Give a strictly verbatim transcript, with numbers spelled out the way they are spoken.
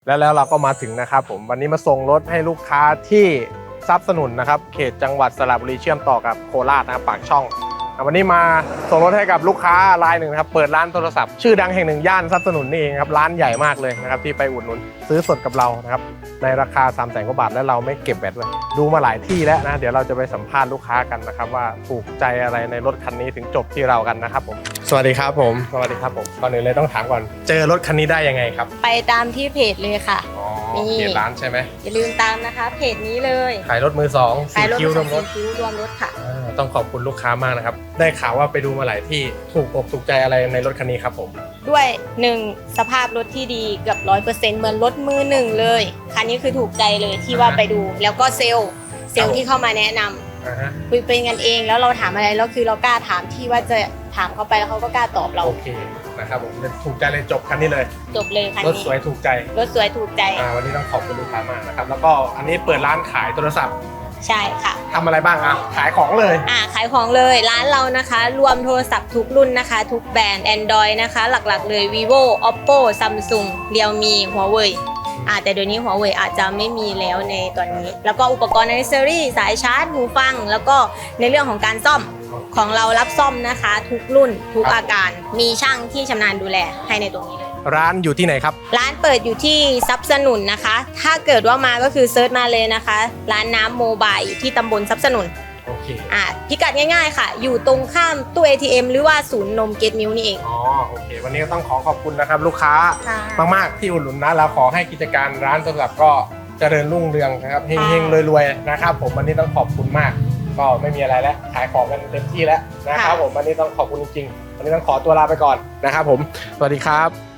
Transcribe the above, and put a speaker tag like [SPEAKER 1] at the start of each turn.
[SPEAKER 1] แล้วแล้วเราก็มาถึงนะครับผมวันนี้มาส่งรถให้ลูกค้าที่ทรัพย์สนุนนะครับเขตจังหวัดสระบุรีเชื่อมต่อกับโคราชนะครับปากช่องวันนี้มาส่งรถให้กับลูกค้ารายหนึ่งนะครับเปิดร้านโทรศัพท์ชื่อดังแห่งหนึ่งย่านทรัพย์สนุนนี่เองครับร้านใหญ่มากเลยนะครับที่ไปอุดหนุนซื้อสดกับเรานะครับในราคาสามแสนกว่าบาทและเราไม่เก็บแบตเลยดูมาหลายที่แล้วนะเดี๋ยวเราจะไปสัมภาษณ์ลูกค้ากันนะครับว่าถูกใจอะไรในรถคันนี้ถึงจบที่เรากันนะครับผมสวัสดีครับผมสวัสดีครับผมก่อนอื่นเลยต้องถามก่อนเจอรถคันนี้ได้ยังไงครับ
[SPEAKER 2] ไปตามที่เพจเลยค่ะ
[SPEAKER 1] อ๋อเพจร้านใช่ไหม
[SPEAKER 2] อย่าลืมตามนะคะเพจนี้เลย
[SPEAKER 1] ขายรถมือสองสี่คิ้วรวมรถ
[SPEAKER 2] คิ้วรวมรถค่ะ
[SPEAKER 1] ต้องขอบคุณลูกค้ามากนะครับได้ข่าวว่าไปดูมาหลายที่ถูกอกถูกใจอะไรในรถคันนี้ครับผม
[SPEAKER 2] ด้วยหนึ่งสภาพรถที่ดีเกือบร้อยเปอร์เซ็นต์เหมือนรถมือหนึ่งเลยคันนี้คือถูกใจเลยที่ว่าไปดูแล้วก็เซลล์เซลล์ที่เข้ามาแนะนำคุยเป็นกันเองแล้วเราถามอะไรแล้วคือเรากล้าถามที่ว่าจะถามเขาไปแล้วเขาก็กล้าตอบเรา
[SPEAKER 1] โอเคนะครับผมถูกใจเลยจบคันนี้เลย
[SPEAKER 2] จบเลยคันนี้
[SPEAKER 1] รถสวยถูกใจ
[SPEAKER 2] รถสวยถูกใจ
[SPEAKER 1] วันนี้ต้องขอบคุณลูกค้ามากนะครับแล้วก็อันนี้เปิดร้านขายโทรศัพท์
[SPEAKER 2] ใช่ค่ะ
[SPEAKER 1] ทำอะไรบ้างอ่ะขายของเลย
[SPEAKER 2] อ่าขายของเลยร้านเรานะคะรวมโทรศัพท์ทุกรุ่นนะคะทุกแบรนด์ Android นะคะหลักๆเลย vivo oppo samsung realme huawei อ่าแต่เดี๋ยวนี้ huawei อาจจะไม่มีแล้วในตอนนี้แล้วก็อุปกรณ์ accessory สายชาร์จหูฟังแล้วก็ในเรื่องของการซ่อมของเรารับซ่อมนะคะทุกรุ่นทุกอาการมีช่างที่ชำนาญดูแลให้ในตรงนี้เลย
[SPEAKER 1] ร้านอยู่ที่ไหนครับ
[SPEAKER 2] ร้านเปิดอยู่ที่ทรัพย์สนุนนะคะถ้าเกิดว่ามาก็คือเซิร์ชมาเลยนะคะร้านน้ำโมบายอยู่ที่ตำบลทรัพย์สนุน
[SPEAKER 1] โอเค
[SPEAKER 2] อ่ะพิกัดง่ายๆค่ะอยู่ตรงข้ามตู้ เอ ที เอ็ม หรือว่าศูนย์นมเกตมิลนี่เอง
[SPEAKER 1] อ๋อโอเควันนี้ก็ต้องขอขอบคุณนะครับลูกค้ามากๆที่อุดหนุนนะแล้วขอให้กิจการร้านโทรศัพท์ก็เจริญรุ่งเรืองนะครับเฮงๆรวยๆนะครับผมวันนี้ต้องขอบคุณมากก็ไม่มีอะไรแล้วขายของกันเต็มที่แล้วนะครับผมวันนี้ต้องขอบคุณจริงๆวันนี้ต้องขอตัวลาไปก่อนนะครับผมสวัสดีครับ